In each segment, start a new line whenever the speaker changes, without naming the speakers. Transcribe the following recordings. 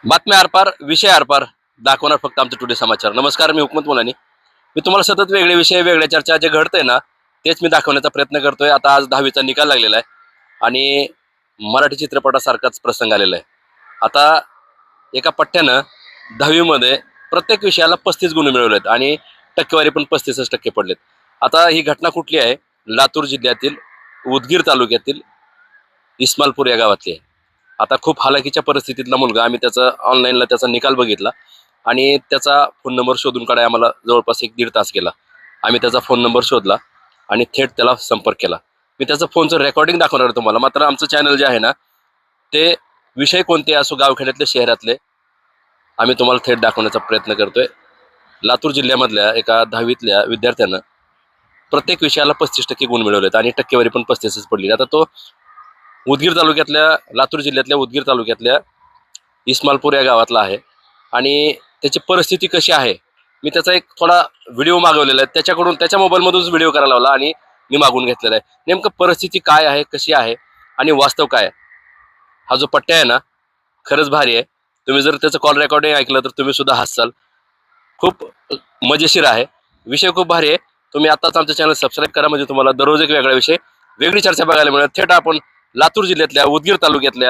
बातम्या आरपार विषय आरपार दाखवणार फक्त आमचं टुडे समाचार. नमस्कार, मी हुकमत मुलानी. मी तुम्हाला सतत वेगळे विषय वेगळ्या चर्चा जे घडतंय ना तेच मी दाखवण्याचा प्रयत्न करतोय. आता आज 10वीचा निकाल लागलेला आहे आणि मराठी चित्रपटासारखाच प्रसंग आलेला आहे. आता एका पठ्ठ्यानं 10वीमध्ये प्रत्येक विषयाला 35 गुण मिळवलेत आणि टक्केवारी पण 35% पडलेत. आता ही घटना कुठली आहे? लातूर जिल्ह्यातील उदगीर तालुक्यातील इस्मालपूर या गावातली आहे. आता खूप हालाकीच्या परिस्थितीतला मुलगा, आम्ही त्याचा ऑनलाईनला त्याचा निकाल बघितला आणि त्याचा फोन नंबर शोधून काढाय आम्हाला जवळपास 1-1.5 तास गेला. आम्ही त्याचा फोन नंबर शोधला आणि थेट त्याला संपर्क केला. मी त्याचं फोनचं रेकॉर्डिंग दाखवणार आहे तुम्हाला. मात्र आमचं चॅनल जे आहे ना ते विषय कोणते असो, गावखेड्यातले शहरातले, आम्ही तुम्हाला थेट दाखवण्याचा प्रयत्न करतोय. लातूर जिल्ह्यामधल्या एका 10वीतल्या विद्यार्थ्यानं प्रत्येक विषयाला 35% गुण मिळवलेत आणि टक्केवारी पण 35च पडली. आता तो उदगीर तालुक्यातल्या, लातूर जिल्ह्यातल्या उदगीर तालुक्यातल्या इस्मालपूर या गावातला आहे आणि त्याची परिस्थिती कशी आहे, मी त्याचा एक थोडा व्हिडिओ मागवलेला आहे. त्याच्याकडून त्याच्या मोबाईलमधूनच व्हिडिओ करायला लावला आणि मी मागून घेतलेला आहे. नेमकं परिस्थिती काय आहे, कशी आहे आणि वास्तव काय आहे. हा जो पट्ट्या आहे ना खरंच भारी आहे. तुम्ही जर त्याचं कॉल रेकॉर्डिंग ऐकलं तर तुम्ही सुद्धा हसाल. खूप मजेशीर आहे, विषय खूप भारी आहे. तुम्ही आताच आमचं चॅनल सबस्क्राईब करा, म्हणजे तुम्हाला दररोज एक वेगळा विषय, वेगळी चर्चा बघायला मिळेल. थेट आपण लातूर जिल्ह्यातल्या उदगीर तालुक्यातल्या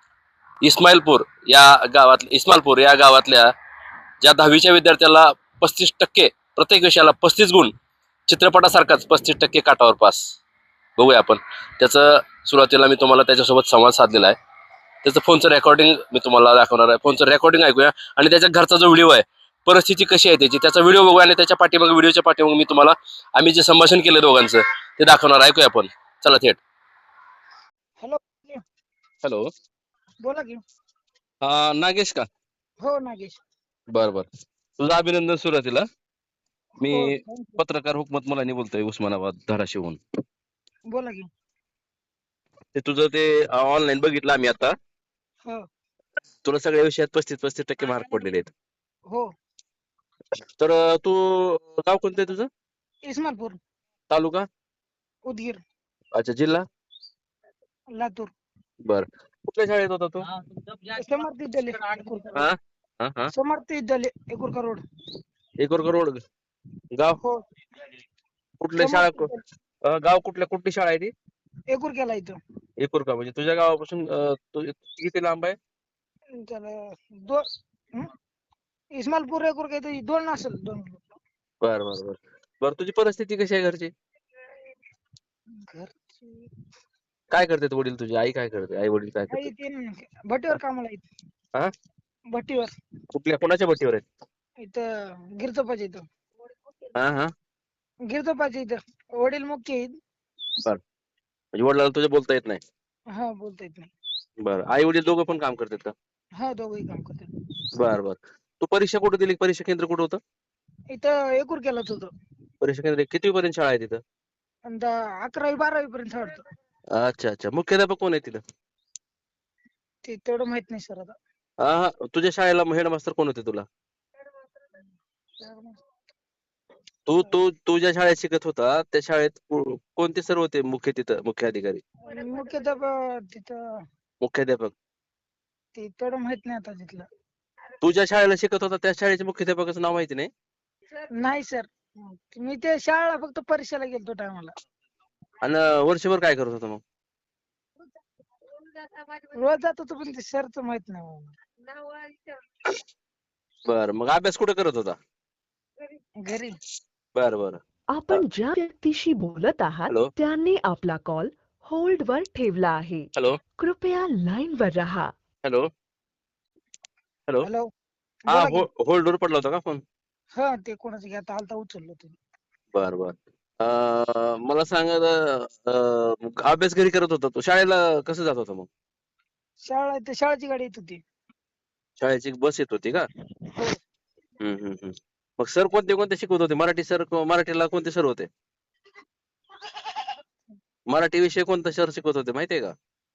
इस्मालपूर या गावातल्या ज्या 10वीच्या विद्यार्थ्याला 35%, प्रत्येक विषयाला 35 गुण, चित्रपटासारखाच 35% काटावर पास. बघूया आपण त्याचं. सुरुवातीला मी तुम्हाला त्याच्यासोबत संवाद साधलेला आहे. त्याचं फोनचं रेकॉर्डिंग मी तुम्हाला दाखवणार आहे. फोनचं रेकॉर्डिंग ऐकूया आणि त्याच्या घरचा जो व्हिडिओ आहे, परिस्थिती कशी आहे त्याची, त्याचा व्हिडिओ बघूया आणि त्याच्या पाठीमागे, व्हिडिओच्या पाठीमागे मी तुम्हाला आम्ही जे संभाषण केलं दोघांचं ते दाखवणार. ऐकूया आपण, चला थेट.
हॅलो,
हॅलो,
बोला की.
नागेश का?
हो नागेश.
बरं बरं, तुझं अभिनंदन. सुरुवातीला मी
हो thank you.
पत्रकार हुकमत मुलानी बोलतोय, उस्मानाबाद धाराशिवहून.
बोला की.
ते तुझं ते ऑनलाईन बघितलं आम्ही आता.
हो
तुला सगळ्या विषयात 35% मार्क पडलेले आहेत.
हो.
तर तू, गाव कोणतं आहे तुझं?
इस्मालपूर,
तालुका?
उदगीर,
अच्छा, जिल्हा?
लातूर.
बर, कुठल्या शाळेत होता तू?
समर्थ विद्यालय एकुरका
हा
रोड.
हा हा
समर्थ विद्यालय एकुरका रोड.
एकोरकर रोड. गाव
हो
कुठल्या शाळा?
समर्थ विद्यालय
गाव कुठली शाळा आहे ती?
एकुरक्याला इथं.
एकोरका म्हणजे तुझ्या गावापासून किती लांब आहे?
त्याला दोन इस्मालपूर एकुरका इथं 2 असेल, 2
बर बर बर बर, तुझी परिस्थिती कशी आहे घरची?
घरची.
काय करतात वडील तुझे? आई काय करते? आई वडील काय
आई
करतात?
ते भट्टीवर कामाला आहेत.
हा,
भट्टीवर
कुठल्या, कोणाच्या भट्टीवर आहेत?
इथं गिरचोपाच्या इथं.
हा हा
गिरचोपाच्या इथं वडील मुख्य आहेत.
बर, म्हणजे वडिलांना तुझ्या बोलता येत नाही?
हा, बोलता येत नाही.
बर, आई वडील दोघं पण काम करतात का?
हा, दोघंही काम करतात.
बर बर, तू परीक्षा कुठे दिली? परीक्षा केंद्र कुठं होतं?
इथं एकुरक्यालाच होतं.
परीक्षा केंद्र किती पर्यंत शाळा आहे तिथं?
आणि 11वी-12वी पर्यंत वाटतं.
अच्छा अच्छा, मुख्याध्यापक कोण आहे तिथं?
ते तेवढं माहित नाही सर आता.
हा, तुझ्या शाळेला हेडमास्तर कोण होते तुला? तू तू तू ज्या शाळेत शिकत होता त्या शाळेत कोणते सर होते मुख्य, तिथं मुख्य अधिकारी,
मुख्याध्यापक तिथं
मुख्याध्यापक?
ते तेवढं माहित नाही आता तिथलं.
तू ज्या शाळेला शिकत होता त्या शाळेच्या मुख्याध्यापकाचं नाव माहिती नाही?
नाही सर, मी ते शाळेला फक्त परीक्षेला गेलतो टायमाला.
आणि वर्षभर काय करत होता मग?
रोज जात होतो पण ते सरच माहित नाही मला.
बर, मग अभ्यास कुठे करत होता?
घरी.
बर बर.
आपण ज्या व्यक्तीशी बोलत आहात
हॅलो
त्यांनी आपला कॉल होल्ड वर ठेवला आहे.
हॅलो
कृपया लाइन वर रहा.
हॅलो हॅलो
हॅलो,
हा,
बोला की.
होल्डवर पडला होता का फोन?
हा, ते कोणाचं घेता आलता, उचललो तुम्ही.
बर बर. मला सांग, अभ्यास घरी करत होता तू, शाळेला कसं जात होता मग?
शाळा ते शाळेची गाडी येत होती.
शाळेची बस येत होती का?
हो.
हम्म. मग सर कोणते कोणते शिकवत होते? मराठी सर, मराठीला कोणते सर होते? मराठी विषय कोणता सर शिकवत होते माहितीये का?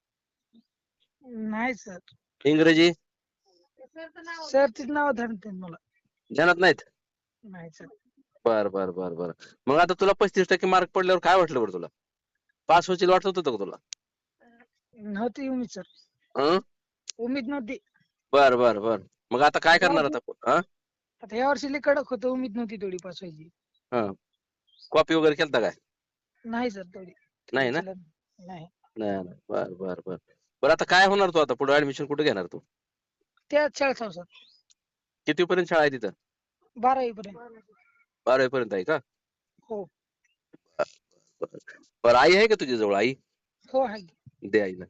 नाही सर.
इंग्रजी?
सरचीच नाव धरते मला.
ध्यानात नाहीत?
नाही सर.
बर बर बर बर, मग आता तुला 35% मार्क पडल्यावर काय वाटलं बरं तुला? पास होशील वाटत होतं का तुला?
नव्हती उमेद सर.
हं?
उमेद नव्हती.
बर बर बर. मग आता काय करणार आता? हा
आता या वर्षी लई कडक होतं, उमेद नव्हती तेवढी पास व्हायची.
हा. कॉपी वगैरे केलता काय?
नाही सर तेवढी
नाही ना?
चलत नाही.
नाही नाही. बर बर बर. बरं आता काय होणार तू आता पुढे ऍडमिशन कुठे घेणार तू?
त्याच शाळेत सर
किती पर्यंत शाळा आहे तिथं?
12वी पर्यंत.
12वी पर्यंत आहे का?
हो
बर. बरं आई आहे का तुझ्या जवळ? आई
हो आहे.
दे आईला.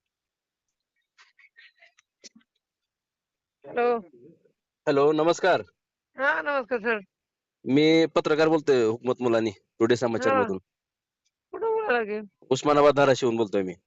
हॅलो.
हॅलो नमस्कार.
हा नमस्कार सर.
मी पत्रकार बोलतोय हुकमत मुलानी टुडे समाचार
हा
मधून.
कुठं बोलायला लागेल?
उस्मानाबाद धाराशिवून बोलतोय मी.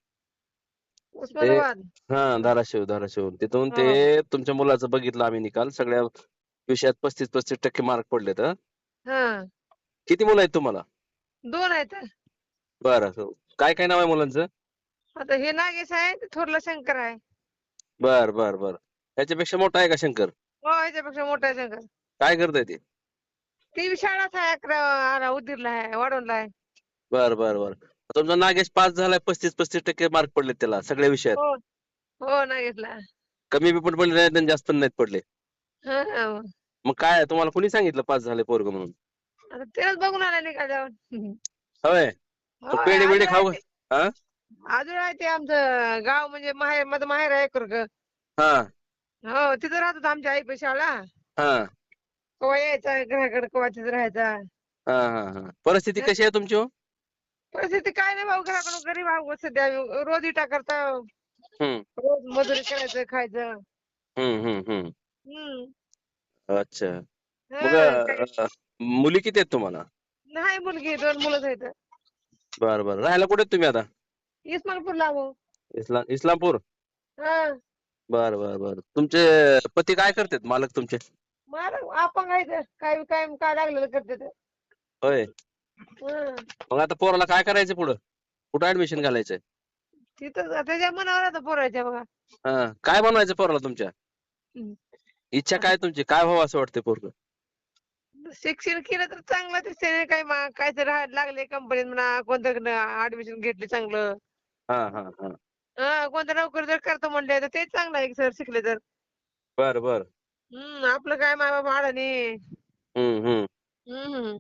ते
उस्मानाबाद.
हा धाराशिव तिथून
हा
ते तुमच्या मुलाचं बघितलं आम्ही निकाल. सगळ्या विषयात 35% मार्क पडलेत. हं?
हा
किती मुलं आहेत तुम्हाला?
2 आहेत.
बरं. काय काय नाव आहे मुलांचं?
आता हे नागेश आहे, ते थोरला शंकर आहे.
बर बर बर. ह्याच्यापेक्षा मोठा आहे का शंकर?
हो ह्याच्यापेक्षा मोठा आहे शंकर.
काय करताय ते?
ती बी शाळाच आहे, 11 उदगीरला आहे, वाढवणला आहे.
बर बर बर. तुमचा नागेश पास झालाय, 35% मार्क पडलेत त्याला सगळ्या विषयात.
हो हो नागेशला.
कमी बी पण पडले नाहीत आणि जास्त पण नाहीत पडले.
हा हा.
मग काय तुम्हाला कोणी सांगितलं पास झाले पोरग म्हणून?
आता तेच बघून आला निकाल जाऊन.
होय.
हो
पेढे बिडे
आजूळ आहे
खाऊ
ते.
हा
आजूळ आहे ते आमचं गाव, म्हणजे माझं माहेर आहे एकरग.
हा
हो तिथं राहत होता आमच्या आई पाशी शाळा.
हा
कवा यायचा घराकडे, कवा तिथं राहायचा.
हा हा हा. परिस्थिती कशी आहे तुमची हो?
परिस्थिती काय नाही भाऊ, घराकडून गरीब आहोत सध्या. रोज इटा करता,
हम्म
रोज मजुरी करायचं, खायचं.
हम्म.
हम्म.
अच्छा. मग
हा काय
मुली किती आहेत तुम्हाला?
नाही मुलगी, 2 मुलंच आहेत.
बरं बरं. राहायला कुठे आहेत तुम्ही आता?
इस्मालपूरला भाऊ.
इस्लामपूर.
हा
बर बर बर. तुमचे पती काय करतात, मालक तुमचे?
मला अपंग आहे, काय काय काय लागलेलं करते ते.
होय.
हं.
मग आता पोराला काय करायचं पुढं? कुठं ऍडमिशन घालायचंय?
तिथं त्याच्या मनावर आता पोरायच्या बघा.
हा. काय बनवायचं पोराला तुमच्या?
हं.
इच्छा
आता
काय तुमची? काय व्हावं असं वाटतंय पोरग?
शिक्षण केलं तर चांगलं दिसतंय, काय काय तर राहायला लागले कंपनीत म्हणा, कोणतं ऍडमिशन घेतले चांगलं.
हा हा हा.
कोणतं नोकरी जर करतो म्हणले तर ते चांगलं आहे सर, शिकले तर.
बर बर.
आपलं काय माय बाप अडाणी.
हम्म.
हम्म.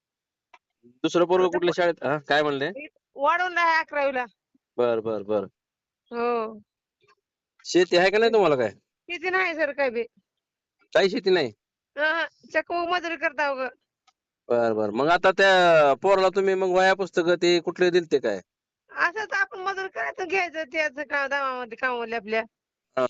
दुसरं पोरग
आता
कुठल्या शाळेत? हा काय म्हणले?
वाढवून आहे 11वीला.
बर बर बर.
हो.
शेती आहे का नाही तुम्हाला काय?
किती नाही सर काय बी.
काही शेती नाही.
चक्क मजुरी करता उगं.
बर बर. मग आता त्या पोराला तुम्ही मग वह्या पुस्तकं ते कुठले दिलते काय?
असंच आपण मजुरी करायचं, घ्यायचं त्याचं दामामध्ये कामावले आपल्या.
हा.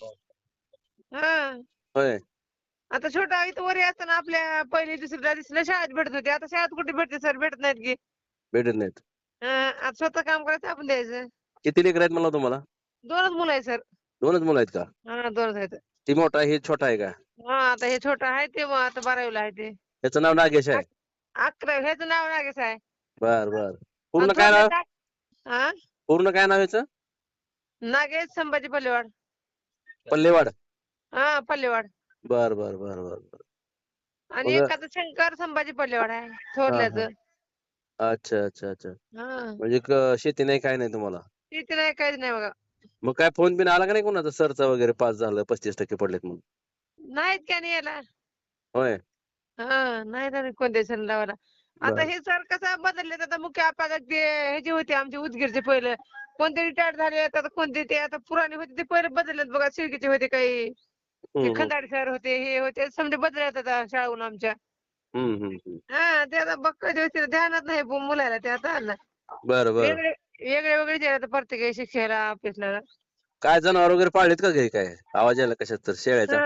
हा.
होय.
आता छोटा इथं वरी असताना आपल्या 1ली 2रीला 3रीला शाळेत भेटत होते. आता शाळेत कुठे भेटते सर, भेटत नाहीत की.
भेटत नाहीत.
आता स्वतः काम करायचं, आपण द्यायचं.
किती लेकर आहेत म्हणला तुम्हाला?
2च मुलं आहे सर.
2च मुलं आहेत का?
2च आहेत.
ती मोठा आहे, हे छोटा आहे का?
आता हे छोटा आहे, ते मग आता 12वीला आहे ते.
त्याचं नाव नागेश आहे.
11 ह्याचं नाव नागेश आहे.
बर बर. पूर्ण
आणि
काय नाव?
हा
पूर्ण काय नाव याचं?
नागेश संभाजी पल्लेवाड.
पल्लेवाड.
पल्लेवाड.
बर बर बर बर बर.
आणि
मग
एकाचं शंकर संभाजी पल्लेवाड आहे,
हा हा.
थोरल्याचं.
अच्छा अच्छा अच्छा.
हा.
म्हणजे शेती नाही काय नाही तुम्हाला?
शेती नाही, काहीच नाही बघा.
मग काय फोन बिन आला का नाही कोणाचा, सरचा वगैरे पास झालं 35% पडलेत म्हणून?
नाहीत का नाही याला.
होय.
नाही ना कोणत्या सण लावायला. आता
बर
हे सर कसं बदलले, आता मुख्याध्यापक ते ह्याचे होते आमचे उदगीरचे पहिलं. कोणते रिटायर झाले, आता कोणते ते आता पुराणे होते ते पहिले बदललेत बघा. शिळकीचे होते काही, ते
हम्म
खंदाडे सर होते, हे होते समजे बदललेत आता शाळेहून आमच्या.
हम्म.
ते आता बक्का दिवस ध्यानात नाही मुलाला ते आता आलं.
बरं बरं.
वेगळे जे आता प्रत्येक शिक्षाला ऑफिसला.
काय जनावर वगैरे पाळलेत का घरी काय? आवाज यायला कशात तर शेळ्याचा.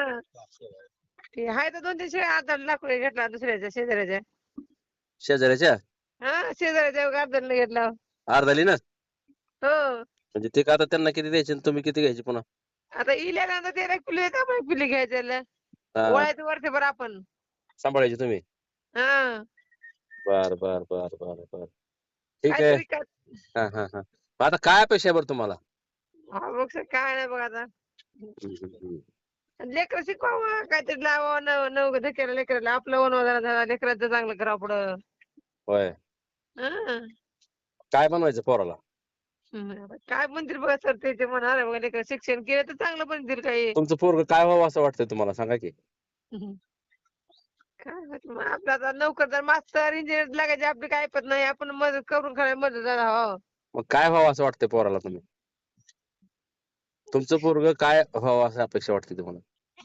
ते आहे तर 2-3 शेळ्या, आता लाकूड घेतला दुसऱ्याच्या शेजाऱ्याच्या.
शेजाऱ्याच्या?
शेजाऱ्याच्या अर्धाला घेतला.
अर्धाली ना?
हो.
म्हणजे ते का आता त्यांना किती द्यायचे आणि तुम्ही किती घ्यायचे पुन्हा?
आता इल्यानंतर त्याला एक पिल्लू येतं, आपण एक पिल्लू घ्यायचं.
हा.
वळायचं वर्षभर आपण.
सांभाळायचे तुम्ही?
हा.
बर बर बर बर बर. ठीक आहे.
काहीतरी कर.
हा. आता काय अपेक्षा आहे बरं तुम्हाला?
बघ सर, काय नाही बघ आता.
हम्म.
लेकरं शिकवावं, काहीतरी लावावं, नव धक्याला लेकराला. आपलं वनवाला झाला, लेकराचं चांगलं करावं पुढं.
होय.
हा.
काय बनवायचं पोराला?
आता काय म्हणतील बघा सर ते म्हणणार आहे बघा लेकरं शिक्षण केलं तर चांगलं म्हणतील काही.
तुमचं पोरग काय व्हावं असं वाटतंय तुम्हाला, सांगा की.
काय माहिती मग आपलं आता नोकरदार मास्तर इंजिनियर लागायचे आपली काय ऐपत नाही. आपण मदत करून खायला मदत हो.
मग काय व्हावं असं वाटतंय पोराला तुम्ही? तुमचं पोरग काय व्हावं असं अपेक्षा वाटते तुम्हाला?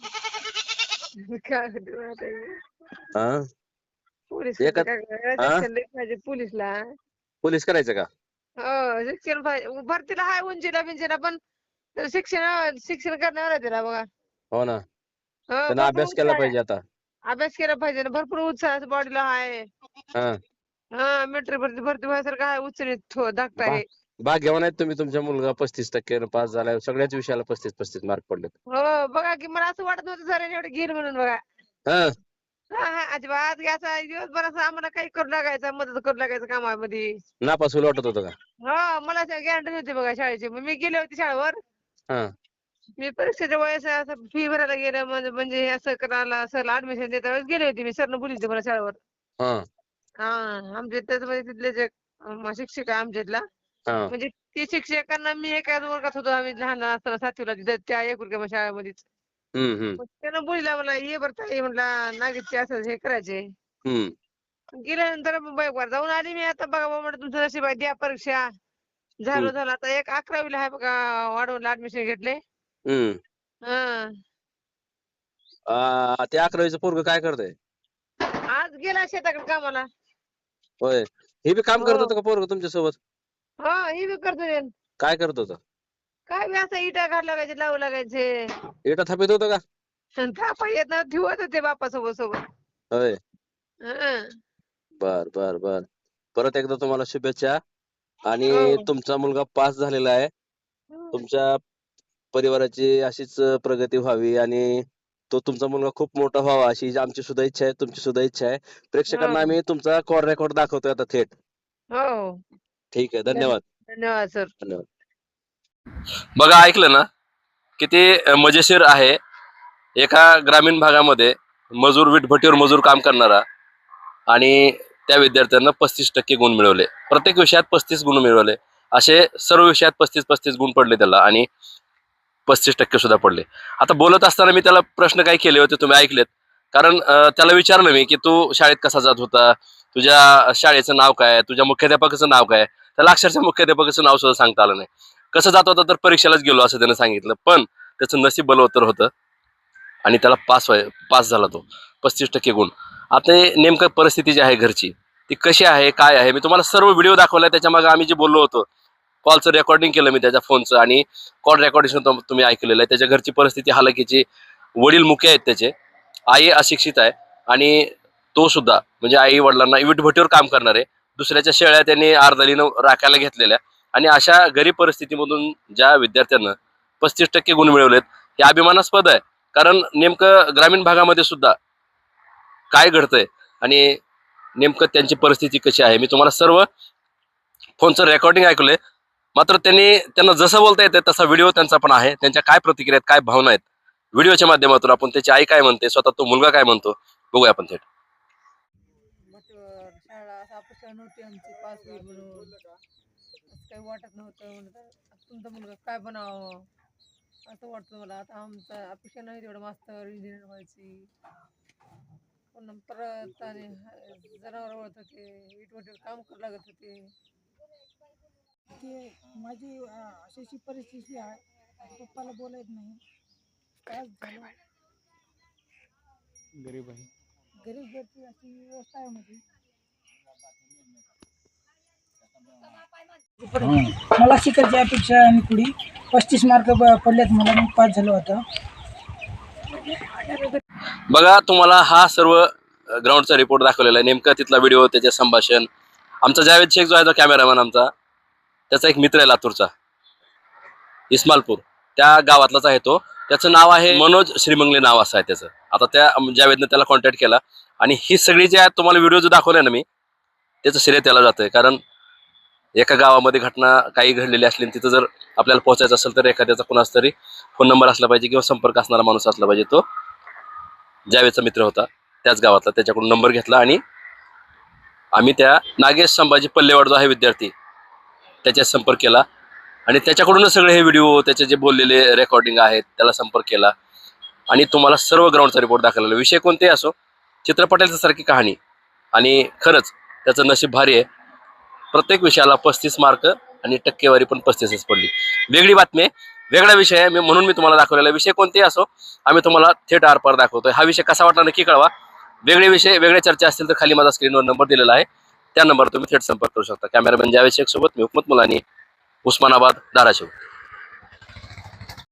काय माहिती मग आता हे.
हा?
पोलीस
एका
काय करायचं,
हा?
शिक्षण लय पाहिजे पोलीसला.
पोलीस करायचं का?
हो शिक्षण पाहिजे. भरतीला हाय उंचीला बिंचीला पण त्याला शिक्षण करणार आहे त्याला बघा.
हो ना,
हो
त्यानं
भरपूर
अभ्यास केला
उत्साह आहे.
पाहिजे आता.
अभ्यास केला पाहिजे ना. भरपूर उत्साह बॉडीला आहे.
हा.
हा मिलिटरी भरती व्हायसारखं आहे उचलीत धाकटा
भा
आहे.
भाग्यवान आहेत तुम्ही, तुमचा मुलगा 35% पास झालाय. सगळ्याच विषयाला 35 मार्क पडलेत.
हो बघा की मला असं वाटत नव्हतं सर एवढे घेईल म्हणून बघा.
हा.
हा अजिबात घ्यायचा दिवसभर असं आम्हाला काही करू लागायचं मदत करू लागायचं कामामध्ये.
नापास होईल वाटत होतं का?
हो मला गॅरंटी नव्हती बघा शाळेची. मग मी गेले होते शाळेवर.
हा.
मी परीक्षेच्या वेळेस असं फी भरायला गेलं म्हणजे हे असं करायला सरला ऍडमिशन देता वेळेस गेले होते मी. सरनं बोलली होती मला शाळेवर.
हा.
हा आमच्या त्याच्यामध्ये तिथले जे शिक्षक आहे आमच्यातला
हा.
म्हणजे ते शिक्षकांना मी एकाच वर्गात होतो आम्ही लहान असताना 7वीला तिथं त्या एकुलग्या शाळेमध्येच.
हम्म.
मग त्यानं बोलला मला ये बरं ताई म्हटला नागेशचे असं हे करायचे. गेल्यानंतर मुंबईवर जाऊन आली मी. आता बघा बाबा म्हटलं तुमचं नशीब आहे द्या परीक्षा. झालं आता एक 11वीला आहे बघा वाढवून ऍडमिशन घेतले. हा
ते 11वीचं पोरग काय करतंय?
आज गेला शेताकडे कामाला.
होय. हे बी काम करत
हो
होतं का पोरग तुमच्या सोबत?
हो हे बी करतो.
काय करत होतं?
काय बी असं इटा घाल लागायचे लावू लागायचे.
इटा थापित होतं का?
थापा येत ना ठेवत होते बापासोबत.
होय.
हं.
बर बर बर. परत एकदा तुम्हाला शुभेच्छा. आणि
हो
तुमचा मुलगा पास झालेला आहे. तुमच्या परिवाराची अशीच प्रगती व्हावी आणि तो तुमचा मुलगा खूप मोठा व्हावा अशी आमची सुद्धा इच्छा आहे, तुमची सुद्धा इच्छा आहे. प्रेक्षकांना आम्ही तुमचा कॉल रेकॉर्ड दाखवतोय आता थेट.
हो
ठीक आहे, धन्यवाद.
धन्यवाद सर.
धन्यवाद. बघा ऐकलं ना, किती मजेशीर आहे. एका ग्रामीण भागामध्ये विटभट्टीवर मजूर काम करणारा आणि त्या विद्यार्थ्यांना 35% गुण मिळवले. प्रत्येक विषयात 35 गुण मिळवले. असे सर्व विषयात 35 गुण पडले त्याला आणि 35% सुद्धा पडले. आता बोलत असताना मी त्याला प्रश्न काय केले होते तुम्ही ऐकलेत. कारण त्याला विचारलं मी की तू शाळेत कसा जात होता, तुझ्या शाळेचं नाव काय, तुझ्या मुख्याध्यापकाचं नाव काय. त्याला अक्षरशः मुख्याध्यापकाचं नाव सुद्धा सांगता आलं नाही. कसं जात होता तर परीक्षेलाच गेलो असं त्यानं सांगितलं. पण त्याचं नशीब बलवत्तर होतं आणि त्याला पास झाला तो. 35% गुण. आता नेमकं परिस्थिती जी आहे घरची ती कशी आहे काय आहे मी तुम्हाला सर्व व्हिडिओ दाखवला. त्याच्या मागे आम्ही जे बोललो होतो कॉलचं रेकॉर्डिंग केलं मी त्याच्या फोनचं आणि कॉल रेकॉर्डिंग तुम्ही ऐकलेलं आहे. त्याच्या घरची परिस्थिती हालाकीची. वडील मुके आहेत त्याचे, आई अशिक्षित आहे आणि तो सुद्धा म्हणजे आई वडिलांना विटभट्टीवर काम करणारे. दुसऱ्याच्या शेळ्या त्यांनी अर्धलीनं राखायला घेतलेल्या आणि अशा गरीब परिस्थितीमधून ज्या विद्यार्थ्यांना 35% गुण मिळवलेत हे अभिमानास्पद आहे. कारण नेमकं ग्रामीण भागामध्ये सुद्धा काय घडतंय आणि नेमकं त्यांची परिस्थिती कशी आहे मी तुम्हाला सर्व फोनचं रेकॉर्डिंग ऐकलंय. मात्र त्यांना जसं बोलता येतं तसा व्हिडिओ त्यांचा पण आहे. त्यांच्या काय प्रतिक्रिया आहेत, काय भावना आहेत व्हिडिओच्या माध्यमातून आपण त्याची आई काय म्हणते, स्वतः तो मुलगा काय म्हणतो बघूया आपण थेट.
शाळा असं अपेक्षा नव्हती आमची पास होईल म्हणून. असं काही वाटत नव्हतं. म्हणलं तुमचा मुलगा काय बनावं असं वाटतं मला. आता आमचा अपेक्षा नाही तेवढं मास्तर इंजिनियर व्हायची. पण परत आणि जनावर वळत होते, विटवटीवर काम करावं लागत होते.
की माझी अशी परिस्थिती आहे. पप्पाला बोलायत नाही. काय झालं? गरीब घरची अशी व्यवस्था आहे माझी. मला शिकायची अपेक्षा आहे आणि पुढे 35 मार्क पडलेत मला. मी पास झालो होता.
बघा तुम्हाला हा सर्व ग्राउंडचा रिपोर्ट दाखवलेला आहे. नेमका तिथला व्हिडिओ, त्याचे संभाषण. आमचा जावेद शेख जो आहे तो कॅमेरामॅन आमचा, त्याचा एक मित्र आहे लातूरचा, इस्मालपूर त्या गावातलाच आहे तो. त्याचं नाव आहे मनोज श्रीमंगले नाव असं आहे त्याचं. आता त्या जावेदने त्याला कॉन्टॅक्ट केला आणि ही सगळी जी आहे तुम्हाला व्हिडिओ जो दाखवलाय ना मी त्याचं श्रेय त्याला जातंय. कारण एका गावामध्ये घटना काही घडलेली असली तिथं जर आपल्याला पोहोचायचं असेल तर एखाद्याचा कोणाचा तरी फोन नंबर असला पाहिजे किंवा संपर्क असणारा माणूस असला पाहिजे. तो जावेदचा मित्र होता त्याच गावातला. त्याच्याकडून नंबर घेतला आणि आम्ही त्या नागेश संभाजी पल्लेवाड जो आहे विद्यार्थी त्याच्यात संपर्क केला आणि त्याच्याकडूनच सगळे हे व्हिडिओ, त्याचे जे बोललेले रेकॉर्डिंग आहेत त्याला संपर्क केला आणि तुम्हाला सर्व ग्राउंडचा रिपोर्ट दाखवलेला. विषय कोणतेही असो, चित्रपटाच्या सारखी कहाणी आणि खरंच त्याचं नशीब भारी आहे. प्रत्येक विषयाला 35 मार्क आणि टक्केवारी पण 35च पडली. वेगळी बातमी आहे, वेगळा विषय आहे, म्हणून मी तुम्हाला दाखवलेला. विषय कोणतेही असो, आम्ही तुम्हाला थेट आरपार दाखवतोय. हा विषय कसा वाटला नक्की कळवा. वेगळे विषय, वेगळ्या चर्चा असतील तर खाली माझा स्क्रीनवर नंबर दिलेला आहे, त्या नंबरवर तुम्ही थेट संपर्क करू शकता. कॅमेरामॅन जावेद शेख सोबत मी हुकमत मुलानी, उस्मानाबाद, धाराशिव.